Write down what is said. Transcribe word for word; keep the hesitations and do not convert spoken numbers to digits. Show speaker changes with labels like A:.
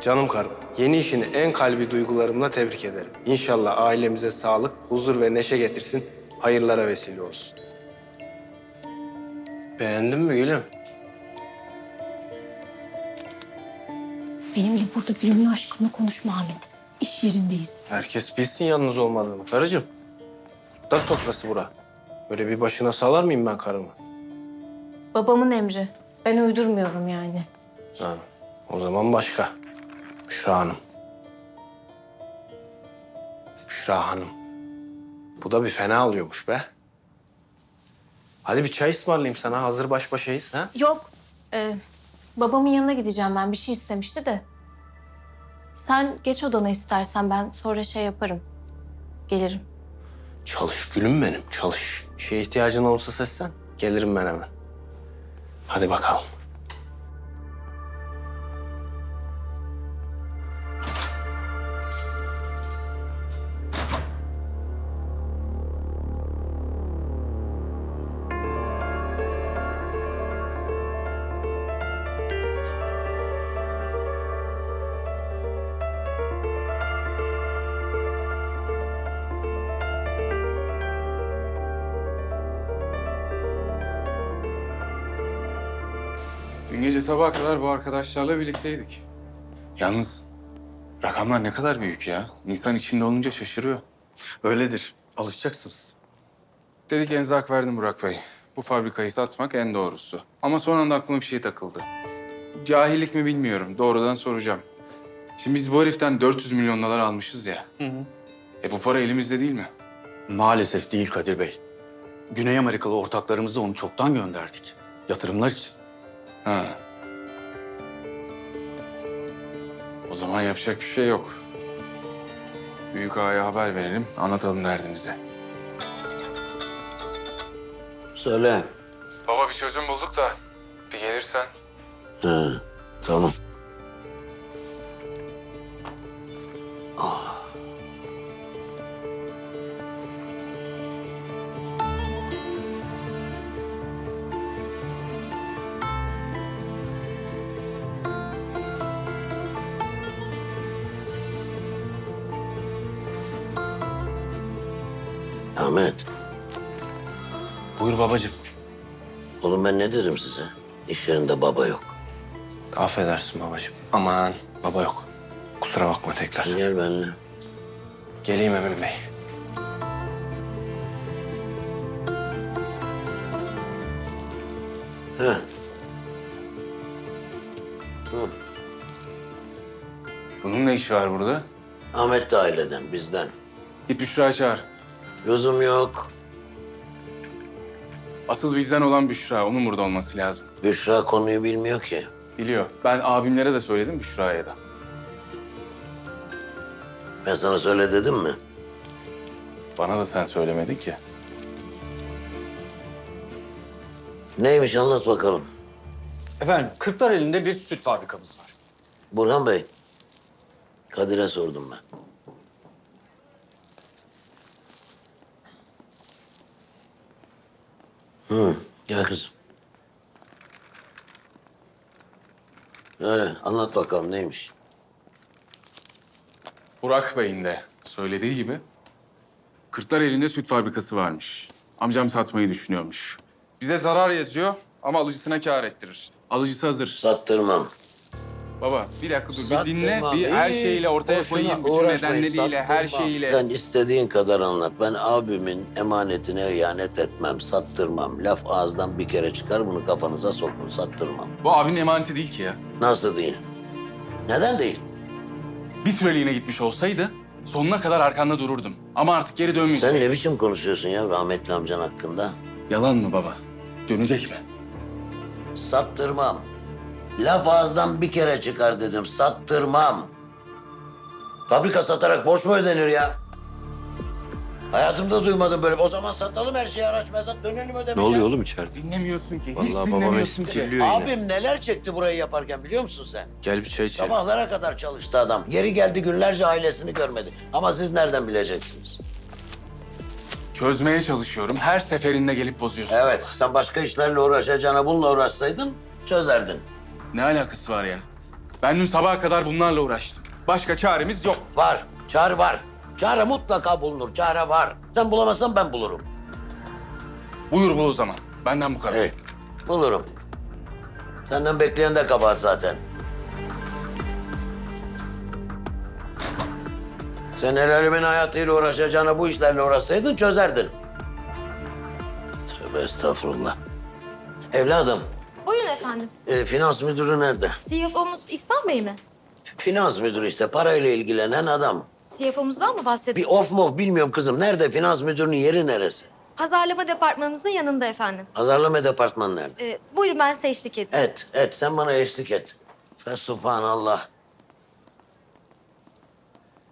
A: Canım karım, yeni işini en kalbi duygularımla tebrik ederim. İnşallah ailemize sağlık, huzur ve neşe getirsin, hayırlara vesile olsun. Beğendin mi gülüm?
B: Benimle burada gülümün aşkımla konuşma Ahmet. İş yerindeyiz.
A: Herkes bilsin yalnız olmadığını karıcığım. Da sofrası bura. Böyle bir başına salar mıyım ben karımı?
B: Babamın emri. Ben uydurmuyorum yani.
A: Ha, o zaman başka. Büşra Hanım. Büşra Hanım. Bu da bir fena alıyormuş be. Hadi bir çay ısmarlayayım sana. Hazır baş başayız ha?
B: Yok. Ee, babamın yanına gideceğim ben. Bir şey istemişti de. Sen geç odana istersen ben sonra şey yaparım. Gelirim.
A: Çalış gülüm benim, çalış. Bir şeye ihtiyacın olursa seslen. Gelirim ben hemen. Hadi bakalım.
C: Dün gece sabaha kadar bu arkadaşlarla birlikteydik. Yalnız rakamlar ne kadar büyük ya. İnsan içinde olunca şaşırıyor.
D: Öyledir. Alışacaksınız.
C: Dedik enzak verdim Burak Bey. Bu fabrikayı satmak en doğrusu. Ama son anda aklıma bir şey takıldı. Cahillik mi bilmiyorum. Doğrudan soracağım. Şimdi biz bu heriften dört yüz milyon dolar almışız ya.
D: Hı hı.
C: E bu para elimizde değil mi?
D: Maalesef değil Kadir Bey. Güney Amerikalı ortaklarımızda onu çoktan gönderdik. Yatırımlar için.
C: Ha. O zaman yapacak bir şey yok. Büyük ağaya haber verelim, anlatalım derdimizi.
E: Söyle.
C: Baba bir çözüm bulduk da bir gelirsen.
E: Ha, tamam. Ahmet,
A: Buyur babacığım.
E: oğlum ben ne dedim size? İş yerinde baba yok.
A: Affedersin babacığım. Aman baba yok. Kusura bakma tekrar.
E: Gel benimle.
A: Geleyim Emin Bey.
E: Heh. Hı.
C: Bunun ne işi var burada?
E: Ahmet de aileden, bizden.
C: Git Büşra çağır.
E: Lüzum yok.
C: Asıl bizden olan Büşra. Onun burada olması lazım.
E: Büşra konuyu bilmiyor ki.
C: Biliyor. Ben abimlere de söyledim, Büşra'ya da.
E: Ben sana söyle dedim mi?
C: Bana da sen söylemedin ki.
E: Neymiş anlat bakalım.
D: Efendim, Kırklareli'nde bir süt fabrikamız var.
E: Burhan Bey, Kadir'e sordum ben. Hı, gel kızım. Öyle, anlat bakalım neymiş?
C: Burak Bey'in de söylediği gibi Kırklareli'nde süt fabrikası varmış. Amcam satmayı düşünüyormuş. Bize zarar yazıyor ama alıcısına kâr ettirir. Alıcısı hazır.
E: Sattırmam.
C: Baba bir dakika dur bir
E: Sattırmam.
C: dinle. Bir her
E: Hiç
C: şeyle ortaya
E: boşuna
C: koyayım. Bütün
E: uğraşmayın,
C: nedenleriyle, her
E: sattırmam.
C: şeyiyle.
E: Sen istediğin kadar anlat. Ben abimin emanetine ihanet etmem, sattırmam. Laf ağızdan bir kere çıkar, bunu kafanıza sokun, sattırmam.
C: Bu abinin emaneti değil ki ya.
E: Nasıl değil? Neden değil?
C: Bir süreliğine gitmiş olsaydı sonuna kadar arkanda dururdum. Ama artık geri dönmeyecek.
E: Sen ne biçim konuşuyorsun ya rahmetli amcan hakkında?
C: Yalan mı baba? Dönecek mi?
E: Sattırmam. Laf ağızdan bir kere çıkar dedim, sattırmam. Fabrika satarak borç mu ödenir ya? Hayatımda duymadım böyle. O zaman satalım her şeyi, araç mezat dönelim
D: Ne
E: ödemeye.
D: oluyor oğlum içeride?
C: Dinlemiyorsun ki.
A: Vallahi
C: Hiç
A: babam
C: dinlemiyorsun ki.
A: espriliyor yine.
E: Abim neler çekti burayı yaparken biliyor musun sen?
A: Gel bir çay içelim.
E: Sabahlara kadar çalıştı adam. Yeri geldi günlerce ailesini görmedi. Ama siz nereden bileceksiniz?
C: Çözmeye çalışıyorum. Her seferinde gelip bozuyorsun.
E: Evet, sen başka işlerle uğraşacağına bununla uğraşsaydın çözerdin.
C: Ne alakası var yani? Ben dün sabaha kadar bunlarla uğraştım. Başka çaremiz yok.
E: Var, çare var. Çare mutlaka bulunur, çare var. Sen bulamazsan ben bulurum.
C: Buyur bul o zaman. Benden bu kadar.
E: Hey, bulurum. Senden bekleyen de kabahat zaten. Sen el alemin hayatıyla uğraşacağına bu işlerle uğraşsaydın çözerdin. Tövbe estağfurullah. Evladım,
F: Buyurun efendim.
E: e, finans müdürü nerede?
F: C F O'muz İhsan Bey mi?
E: Finans müdürü işte, parayla ilgilenen adam.
F: C F O'muzdan mı
E: Bir
F: bahsediyorsunuz?
E: of mof bilmiyorum kızım. Nerede? Finans müdürünün yeri neresi?
F: Pazarlama departmanımızın yanında efendim.
E: Pazarlama departmanı nerede?
F: Ee, buyurun ben size eşlik edeyim.
E: Et, et. Sen bana eşlik et. Fesubhanallah.